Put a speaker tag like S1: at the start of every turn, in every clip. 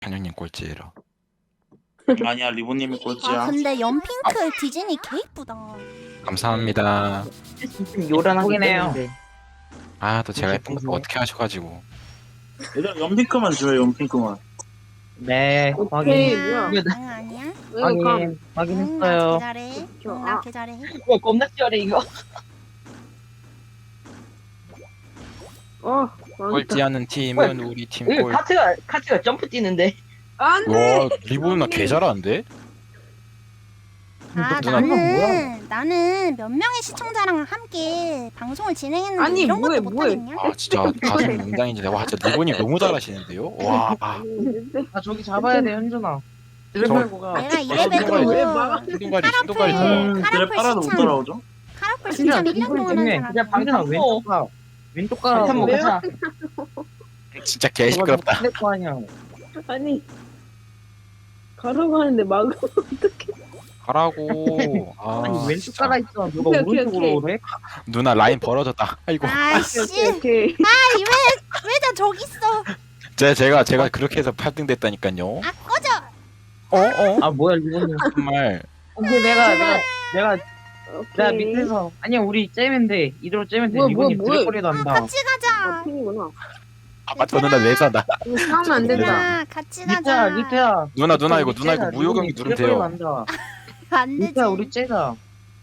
S1: 현영님 꼴찌라.
S2: 아니야 리본님이 꼴찌야.
S3: 아 근데 연핑크 디즈니 개 이쁘다.
S1: 감사합니다.
S4: 요란하게
S5: 예쁘긴
S4: 때문에.
S1: 아 또 제가 예쁜 거
S4: 예쁘네.
S1: 어떻게 하셔가지고.
S2: 얘들아 연핑크만 줘요 연핑크만.
S4: 네,
S5: 오케이,
S4: 확인.
S5: 뭐야?
S4: 이거
S3: 응 아니야?
S5: 왜 감?
S4: 확인. 확인했어요.
S3: 나 개잘해. 응, 나 개잘해.
S4: 와, 겁나 치열해 이거.
S5: 망했다.
S1: 꼴찌하는 팀은 우리 팀
S4: 이거
S1: 꼴.
S4: 카트가 점프 뛰는데.
S5: 안 돼!
S1: 와 리본 누나 개 잘하는데?
S3: 아
S1: 누나
S3: 나는 몇 명의 시청자랑 함께 방송을 진행했는데
S5: 아니,
S3: 이런
S5: 뭐해,
S3: 것도
S5: 뭐해.
S3: 못하겠냐?
S1: 아 진짜 가슴 웅장해지네. 와 진짜 리본이 너무 잘하시는데요? 와.
S4: 아, 저기 잡아야 돼, 현준아.
S1: 저-
S4: 가
S3: 내가
S5: 왜
S3: 이래봬도
S5: 막아?
S1: 신동가리 신동가리 잡아.
S2: 그래
S3: 카라풀
S2: 빨아도 못
S3: 시참
S2: 따라오죠?
S3: 카라풀 시참 1년 동안 한 사람.
S4: 그냥 방준아 왼쪽 가. 왼쪽 가.
S5: 왜요?
S4: 가자.
S1: 진짜 개 시끄럽다.
S4: 거 아니야.
S5: 아니. 가라고 하는데 막으면 어떡해.
S1: 가라고. 아
S4: 아니 왼쪽
S1: 진짜.
S4: 가라 있어. 누가
S5: 오케이, 오케이,
S4: 오른쪽으로 오래?
S1: 누나 라인 벌어졌다. 아이고.
S3: 아씨,
S5: 오케이.
S3: 왜 나 저기 있어?
S1: 제가 그렇게 해서 8등 됐다니까요.
S3: 아 꺼져.
S4: 아 뭐야 리본님.
S1: 정말.
S4: 근데 내가
S5: 오케이.
S4: 밑에서 아니야 우리 째면 이대로 째면 돼.
S5: 뭐야,
S4: 리본님
S5: 뭐야.
S4: 드래퍼리도 한다.
S3: 같이 가자.
S5: 핑이구나.
S1: 아 저 누나 왜 사나?
S5: 이거 싸우면 안 된다.
S3: 얘들아 같이 가자.
S4: 리태야.
S1: 누나 이거 무효경기 누르면 돼요.
S3: 안 되지.
S4: 리태야 우리 째자.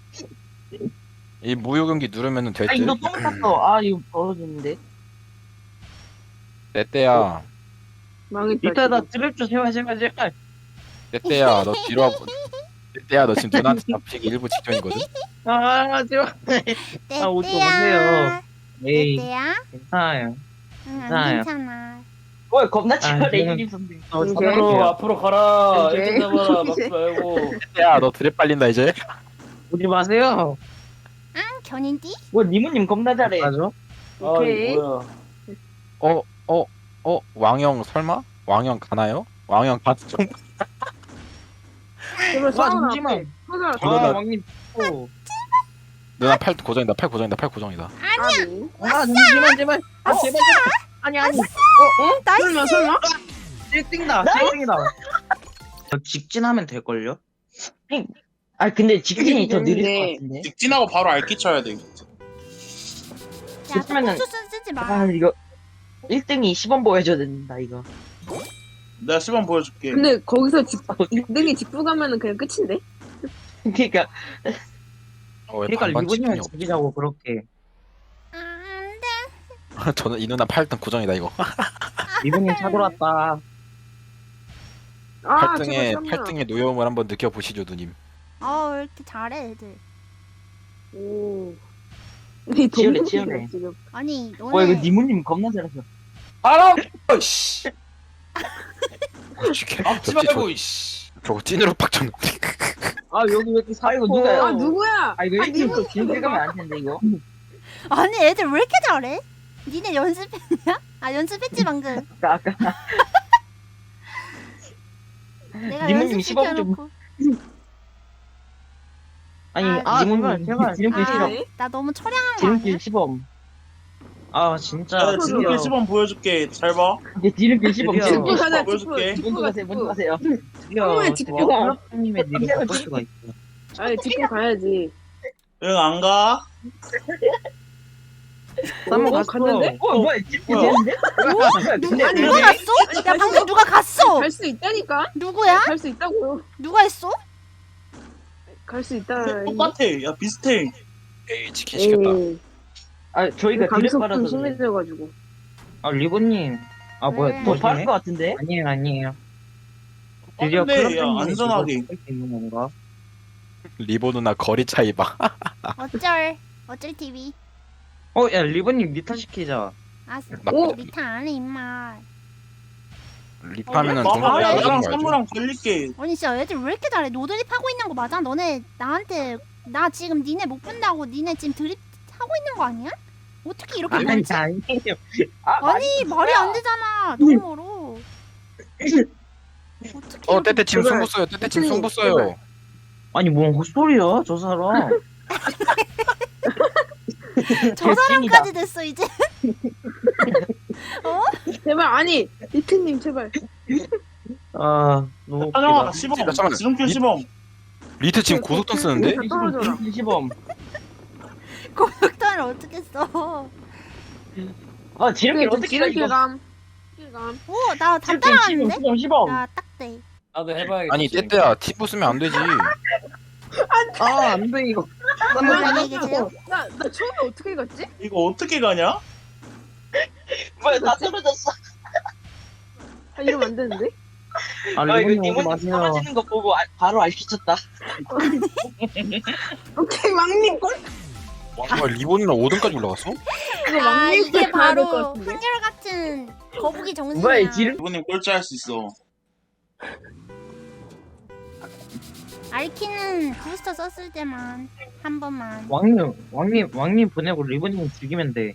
S1: 이 무효경기 누르면은 될
S4: 아 이거
S1: 듯.
S4: 똥 탔어. 아 이거 벌어졌는데.
S1: 내 때야.
S5: 망했다.
S4: 리태야 나
S5: 지금.
S4: 드랩 좀 제발.
S1: 내 때야. 너 뒤로 와보. 내 때야. 너 지금 누나한테 잡히기 일부 직전이거든.
S4: 아 제발.
S3: 내
S4: 아, 오지
S3: 때야.
S4: 마세요.
S3: 내
S4: 에이
S3: 때야.
S4: 괜찮아요.
S3: 응, 안
S4: 나요.
S3: 괜찮아.
S4: 왜 겁나
S1: 치열해,
S4: 이님 선생.
S6: 앞으로 가라.
S5: 오케이.
S6: 일등 잡아라. 막지 말고.
S1: 내 때야. 너 드랩 빨린다 이제.
S4: 오지 마세요.
S3: 응, 견인띠?
S4: 뭐 니모님 겁나 잘해. 맞아.
S5: 오케이.
S6: 아, 뭐야.
S1: 왕영 설마? 왕영 가나요? 왕영 가죠.
S5: 제발
S4: 와
S5: 싸우나.
S4: 잠시만.
S5: 하자.
S1: 누나-
S4: 왕님.
S1: 누나 팔 고정이다. 팔 고정이다.
S5: 아니.
S4: 아 잠시만 제발. 아 제발. 아니.
S3: 나이스.
S5: 설마?
S4: 1등이다. 1등이다. 직진하면 될 걸요? 아 근데 직진이 더 느릴 것 같은데.
S2: 직진하고 바로 알기 쳐야 돼.
S3: 야,
S4: 그러면은-
S3: 또 쓰지 마.
S4: 아 이거 1등이 10원 보여줘야 된다 이거.
S2: 내가 시범 보여줄게.
S5: 근데 거기서 2등이 직부 가면은 그냥 끝인데?
S4: 그러니까
S1: 왜
S4: 그러니까
S1: 반반
S4: 리본님을
S1: 치킨이
S4: 죽이자고 그렇게.
S3: 안 돼.
S1: 없어? 저는 이 누나 8등 고정이다 이거.
S4: 리본님 차돌 왔다.
S5: 아,
S1: 8등의
S5: 제발 설마.
S1: 8등의 노여움을 한번 느껴보시죠 누님.
S3: 왜 이렇게 잘해, 애들.
S5: 오. 이
S4: 치열해,
S5: 동물이다,
S4: 치열해.
S5: 지금.
S3: 아니,
S4: 와
S3: 너네
S4: 이거 니모님 겁나 잘했어.
S6: 알아. 씨. 막지 말고. 씨.
S1: 저거 찐으로 빡쳤는데.
S4: 아 여기 왜 이렇게 사이고 누가요?
S5: 아, 누구야?
S4: 아 이거
S5: 아,
S4: 1등 거 길게 가면 안 된대 이거.
S3: 아니, 애들 왜 이렇게 잘해? 니네 연습했냐? 아, 연습했지, 방금.
S4: 아까
S3: 내가
S4: 니모님 시범 좀-
S3: 연습시켜놓고.
S4: 아니
S3: 아,
S4: 니모님 지름길 시범.
S5: 네.
S3: 나 너무 처량한 거
S4: 지름길
S3: 아니야?
S4: 시범. 아 진짜.
S2: 내가 지름길 시범 보여줄게. 잘 봐.
S4: 이제 지름길 시범.
S5: 직부
S4: 지름길
S5: 가자,
S4: 시범.
S2: 보여줄게.
S5: 직부.
S4: 먼저 가세요.
S5: 왜 직구가?
S4: 님의 니를 바꿀 수가 있어.
S5: 아니, 직부 가야지.
S2: 응 안 가?
S4: 한번
S5: 어, 갔는데?
S4: 뭐야 직구
S2: 뭐야?
S4: 되는데?
S5: 아니,
S3: 누가 갔어? 야, 방금 누가 갔어?
S5: 갈 수 있다니까?
S3: 누구야?
S5: 갈 수 있다고요.
S3: 누가 했어?
S5: 갈 수 있다.
S2: 똑같아. 야 비슷해.
S1: 에이 치킨 시켰다.
S5: 에이,
S4: 아 저희가 드랩
S5: 감속
S4: 받아서
S5: 좀
S4: 그래.
S5: 심해져가지고.
S4: 아 리본님. 아 뭐야
S3: 네.
S4: 더 빠를 것 같은데? 아니에요. 드디어
S2: 근데 야
S4: 클럽
S2: 안전하게.
S4: 수 있는 건가?
S1: 리본 누나 거리 차이 봐.
S3: 어쩔 TV.
S4: 야 리본님 리타 시키자.
S3: 아,
S1: 오!
S3: 리타 안 해, 임마.
S1: 립하면은
S2: 봐봐. 야
S3: 동생
S2: 나랑
S1: 거야죠.
S2: 선물랑 걸릴게.
S3: 아니, 진짜 애들 왜 이렇게 잘해? 노드립 하고 있는 거 맞아? 너네 나한테, 나 지금 니네 못 본다고 니네 지금 드립 하고 있는 거 아니야? 어떻게 이렇게 멀지?
S4: 아니에요.
S3: 아니, 말이 안 되잖아. 너무 멀어. 어떻게 이렇게
S1: 떼떼 지금
S5: 제발.
S1: 승부 써요. 떼떼 지금
S5: 제발.
S1: 승부 써요.
S4: 아니 뭔 헛소리야 저 사람.
S3: 저 사람까지 됐어, 이제?
S5: 제발, 아니, 리트님, 제발.
S4: 아 너무
S2: 찬영아
S4: 웃기다.
S2: 시범.
S1: 잠깐만.
S2: 지름길 시범.
S1: 리트 지금 고속돈 쓰는데?
S5: 다 떨어져라.
S4: 시범.
S3: 고속도로를 어떻게 써?
S4: 아 지름길 어떻게 가 이거?
S5: 지름길감. 길감.
S3: 오, 나 다
S4: 시범
S3: 따라가는데?
S4: 시범 시범.
S3: 야, 딱대.
S6: 나도 해봐야겠다.
S1: 아니 떼떼야 티부 쓰면 안 되지.
S4: 아 안 돼 이거.
S3: 안녕히 계세요.
S5: 나 처음에 어떻게 갔지?
S2: 이거 어떻게 가냐?
S4: 뭐야 다 떨어졌어.
S5: 아, 이러면 안 되는데?
S4: 아 이거 니모님 떨어지는 거 보고 바로 알려줬다.
S5: 오케이, 왕님 꼴.
S1: 와 리본이랑 5등까지 올라갔어?
S5: 이거
S3: 아,
S5: 왕님
S3: 이게
S5: 꼴 봐야 될것
S3: 바로
S5: 같은데?
S3: 한결같은 거북이 정신이야.
S4: 뭐야 지름?
S2: 이분님 꼴찌할 수 있어.
S3: 알키는 부스터 썼을 때만 한 번만.
S4: 왕님 보내고 리본님 죽이면 돼.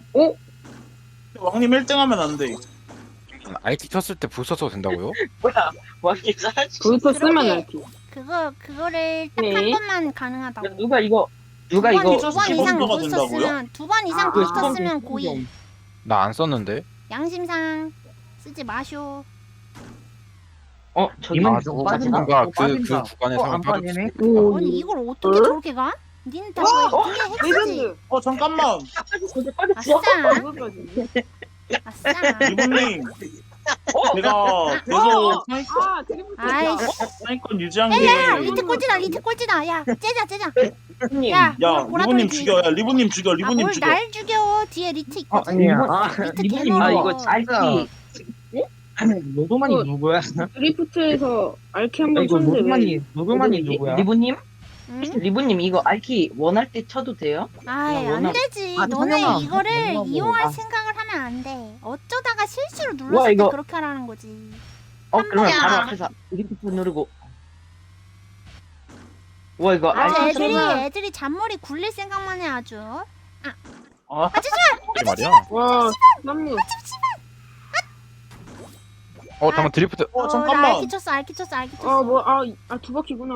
S2: 왕님 1등 하면 안 돼.
S1: IT 쳤을 때 부스 써도 된다고요?
S4: 뭐야 왕님 살 수.
S5: 불터 쓰면
S3: 그러게.
S5: 알지.
S3: 그거를 딱 한
S5: 네.
S3: 번만 가능하다고.
S4: 누가 이거
S3: 두 번
S2: 이거
S3: 이상
S2: 시범도가
S3: 부스터
S2: 된다고요?
S3: 쓰면 2번 이상
S4: 아,
S3: 부스터
S4: 시범,
S3: 쓰면
S4: 시범.
S3: 고의.
S1: 나 안 썼는데.
S3: 양심상 쓰지 마쇼.
S4: 저기
S1: 아,
S4: 좀
S1: 저
S4: 빠진다.
S1: 뭔가 그
S4: 빠진다.
S1: 구간에
S4: 안
S1: 사람 빠졌어.
S4: 빠지네.
S5: 오.
S3: 아니 이걸 어떻게
S5: 어?
S3: 저렇게 가? 니는 다 그게 핵이지.
S5: 레전드.
S2: 잠깐만.
S4: 빠졌어.
S3: 아싸,
S5: 그거까지.
S3: 아싸.
S2: 리본님. 제가 계속
S5: 아, 드리블.
S3: 아이씨.
S2: 상위권 유지한
S3: 야,
S2: 게.
S3: 리트 꼴찌다, 리트 꼴찌다. 야, 째자.
S4: 리본님.
S3: 야,
S2: 야,
S3: 보라
S2: 리본님
S3: 돌기.
S2: 죽여. 야, 리본님 죽여. 리본님
S3: 뭘
S2: 죽여.
S3: 날 죽여? 뒤에 리트 있거든.
S4: 아니야.
S3: 리트
S4: 리본님
S3: 개멀어.
S4: 이거 알키. 노도만이
S5: 어.
S4: 누구야?
S5: 드리프트에서 알키 한번
S4: 이거
S5: 쳤는데
S4: 노도만이
S5: 누구지?
S4: 누구야? 리본님?
S3: 응?
S4: 리본님 이거 알키 원할 때 쳐도 돼요?
S3: 아이,
S4: 야,
S3: 안
S4: 워낙-
S3: 되지.
S4: 아,
S3: 너네
S4: 찬영아.
S3: 이거를
S4: 너무하고.
S3: 이용할
S4: 아.
S3: 생각을 하면 안 돼. 어쩌다가 실수로
S4: 와,
S3: 눌렀을 때
S4: 이거-
S3: 그렇게 하라는 거지.
S4: 그러면
S3: 번이야.
S4: 바로 앞에서 리프트 누르고. 와 이거
S3: 아주
S4: 알키
S3: 애들이
S4: 쳐서
S3: 애들이 잔머리 굴릴 생각만 해 아주.
S1: 이게 말이야.
S5: 와, 남무.
S1: 잠깐 드리프트.
S3: 나
S2: 잠깐만.
S3: 알키 쳤어.
S5: 뭐, 두 바퀴구나.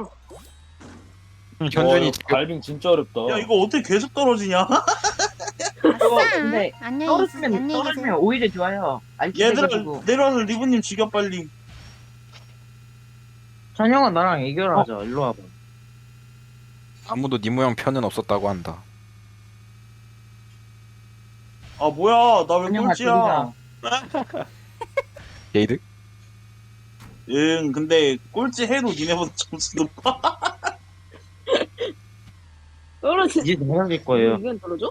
S1: 현준이 지금
S6: 갈빙 진짜 어렵다.
S2: 야, 이거 어떻게 계속 떨어지냐?
S3: 아싸.
S4: 근데
S3: 안녕히 계세요.
S4: 떨어지면 오히려 좋아요. 알키
S2: 얘들아,
S4: 돼가지고.
S2: 내려와서 리본님 죽여, 빨리.
S4: 찬영아 나랑 애결하자. 일로 와봐.
S1: 아무도 니 모양 편은 없었다고 한다.
S2: 아, 뭐야. 나 왜
S4: 찬영아
S2: 꼴찌야?
S4: 둘이다.
S1: 게이드?
S2: 응, 근데 꼴찌 해도 니네보다 점수 높아.
S5: 떨어지.
S4: 이제 넘어질 거예요.
S5: 이건 떨어져?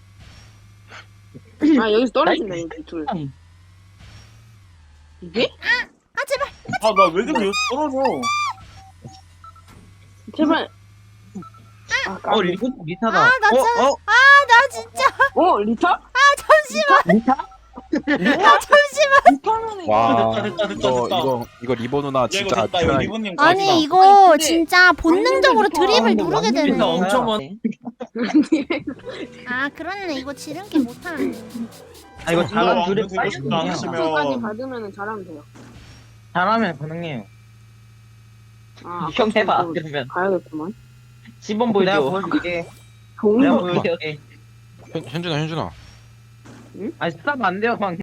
S5: 아, 여기서 떨어진다, 여기 둘. 이게?
S3: 아 제발.
S2: 아, 나 왜 그래? 여기 떨어져.
S5: 제발.
S4: 리본 리타다.
S3: 나 참. 나 진짜.
S5: 리타?
S4: 리타?
S5: 리타면은
S1: 와
S2: 됐다.
S1: 이거 리본 누나
S2: 야,
S1: 진짜
S2: 이거 됐다. 이거
S1: 편하게-
S2: 리본님 가지다.
S3: 아니 이거
S5: 근데
S3: 진짜 본능적으로
S5: 왕년이
S3: 드립을
S5: 좋아.
S3: 누르게 되네.
S6: 진짜 엄청 많-
S3: 아 그렇네. 이거 지름길 못하는데.
S4: 아 이거 잘하면
S2: 왕년
S4: 둘이
S2: 되고
S4: 빨리
S2: 싶다 안
S4: 그냥.
S2: 했으면.
S5: 까지 받으면 잘하면 돼요.
S4: 잘하면 가능해요. 형 해봐 그러면.
S5: 가야겠구만.
S4: 시범 보여줘. 내가 보여줄게.
S5: 좋은
S4: 내가
S5: 거.
S4: 보여줄게.
S1: 현준아
S4: 아니 스탑 안 돼요 방.